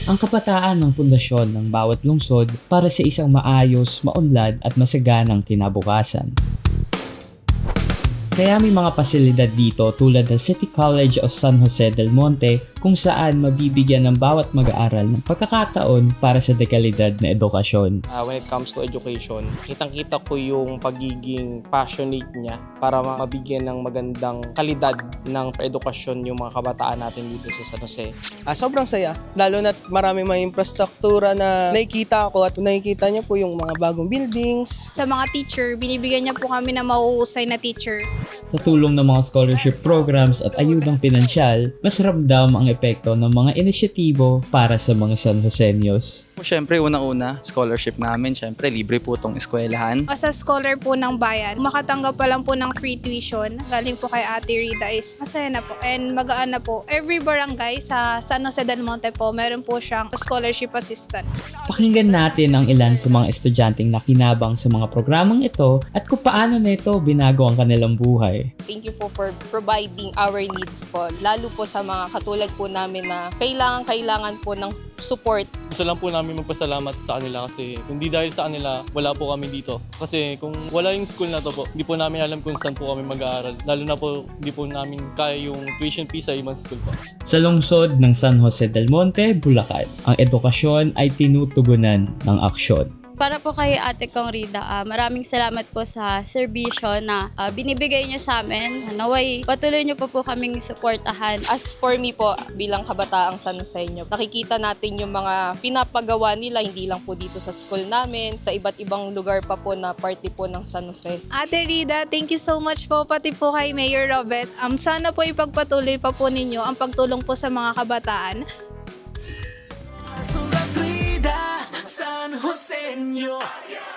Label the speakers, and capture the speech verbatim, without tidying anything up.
Speaker 1: Ang kabataan ng pundasyon ng bawat lungsod para sa isang maayos, maunlad at masaganang kinabukasan. Kaya may mga pasilidad dito tulad ng City College of San Jose del Monte kung saan mabibigyan ng bawat mag-aaral ng pagkakataon para sa dekalidad na edukasyon.
Speaker 2: Uh, when it comes to education, kitang-kita ko yung pagiging passionate niya para mabigyan ng magandang kalidad ng edukasyon yung mga kabataan natin dito sa San Jose.
Speaker 3: Ah, sobrang saya, lalo na marami may infrastruktura na nakikita ko at nakikita niyo po yung mga bagong buildings.
Speaker 4: Sa mga teacher, binibigyan niya po kami ng mauusay na teachers.
Speaker 1: Sa tulong ng mga scholarship programs at ayudang pinansyal, mas ramdam ang epekto ng mga inisyatibo para sa mga San Joseños.
Speaker 5: Siyempre, unang-una, scholarship namin. Siyempre, libre po itong eskwelahan.
Speaker 4: As a scholar po ng bayan, makatanggap pa lang po ng free tuition, galing po kay Ate Rita is masaya na po and magaan na po. Every barangay sa San Jose del Monte po, meron po siyang scholarship assistance.
Speaker 1: Pakinggan natin ang ilan sa mga estudyanteng nakinabang sa mga programang ito at kung paano na ito binago ang kanilang buhay.
Speaker 6: Thank you po for providing our needs po, lalo po sa mga katulad po namin na kailangan-kailangan po ng support.
Speaker 7: Gusto lang po namin magpasalamat sa kanila kasi hindi dahil sa kanila, wala po kami dito. Kasi kung wala yung school na to po, hindi po namin alam kung saan po kami mag-aaral. Lalo na po, hindi po namin kaya yung tuition fee sa ibang school po.
Speaker 1: Sa lungsod ng San Jose del Monte, Bulacan, ang edukasyon ay tinutugunan ng aksyon.
Speaker 8: Para po kay Ate Kong Rida, uh, maraming salamat po sa serbisyo na uh, binibigay niyo sa amin. Naway, patuloy niyo po po kaming suportahan.
Speaker 6: As for me po, bilang kabataang San Joseño, nakikita natin yung mga pinapagawa nila, hindi lang po dito sa school namin, sa iba't ibang lugar pa po na party po ng San Jose.
Speaker 4: Ate Rida, thank you so much po pati po kay Mayor Robes. Um, sana po ipagpatuloy pa po ninyo ang pagtulong po sa mga kabataan.
Speaker 9: San Joseño.